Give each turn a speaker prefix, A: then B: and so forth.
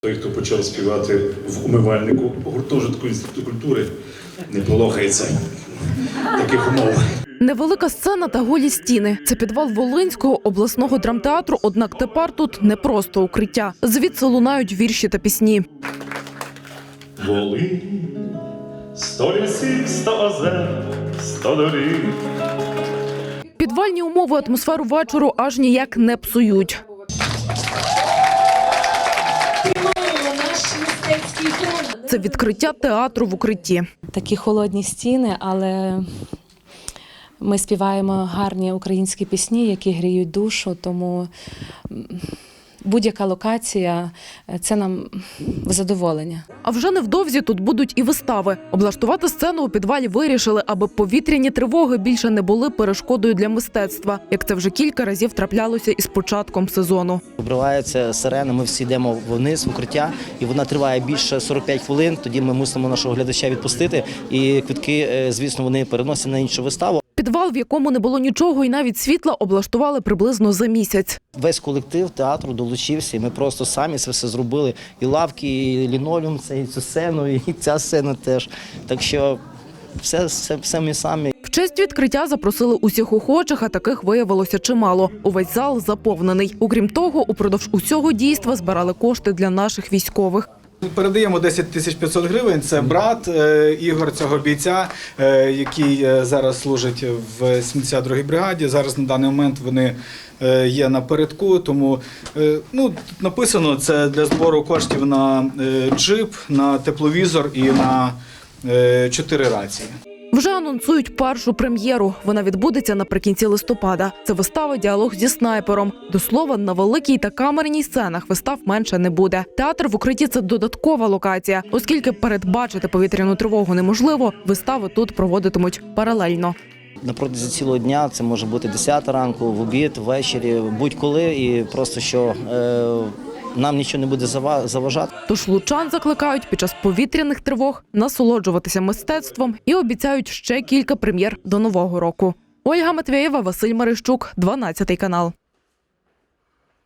A: Той, хто почав співати в умивальнику гуртожитку Інституту культури, не полохається таких умов.
B: Невелика сцена та голі стіни. Це підвал Волинського обласного драмтеатру, однак тепер тут не просто укриття. Звідси лунають вірші та пісні.
A: Волинь, 100 лісів, 100 озер, 100 доріг.
B: Підвальні умови атмосферу вечору аж ніяк не псують. Це відкриття театру в укритті.
C: Такі холодні стіни, але ми співаємо гарні українські пісні, які гріють душу, тому будь-яка локація – це нам задоволення.
B: А вже невдовзі тут будуть і вистави. Облаштувати сцену у підвалі вирішили, аби повітряні тривоги більше не були перешкодою для мистецтва, як це вже кілька разів траплялося із початком сезону.
D: Обривається сирена, ми всі йдемо вниз в укриття, і вона триває більше 45 хвилин, тоді ми мусимо нашого глядача відпустити, і квитки, звісно, вони переносять на іншу виставу.
B: Підвал, в якому не було нічого і навіть світла, облаштували приблизно за місяць.
D: Весь колектив театру долучився, і ми просто самі це все зробили. І лавки, і лінолеум, і цю сцену, і ця сцена теж. Так що все ми самі.
B: В честь відкриття запросили усіх охочих, а таких виявилося чимало. Увесь зал заповнений. Окрім того, упродовж усього дійства збирали кошти для наших військових.
E: Передаємо 10 500 гривень. Це брат Ігор, цього бійця, який зараз служить в 72-й бригаді. Зараз на даний момент вони є напередку, тому тут написано, це для збору коштів на джип, на тепловізор і на 4 рації.
B: Вже анонсують першу прем'єру. Вона відбудеться наприкінці листопада. Це вистава «Діалог зі снайпером». До слова, на великій та камерній сценах вистав менше не буде. Театр в укритті – це додаткова локація. Оскільки передбачити повітряну тривогу неможливо, вистави тут проводитимуть паралельно.
D: На протязі цілого дня це може бути 10 ранку, в обід, ввечері, будь-коли, і просто що нам нічого не буде заважати.
B: Тож лучан закликають під час повітряних тривог насолоджуватися мистецтвом і обіцяють ще кілька прем'єр до Нового року. Ольга Матвєєва, Василь Марищук, 12 канал.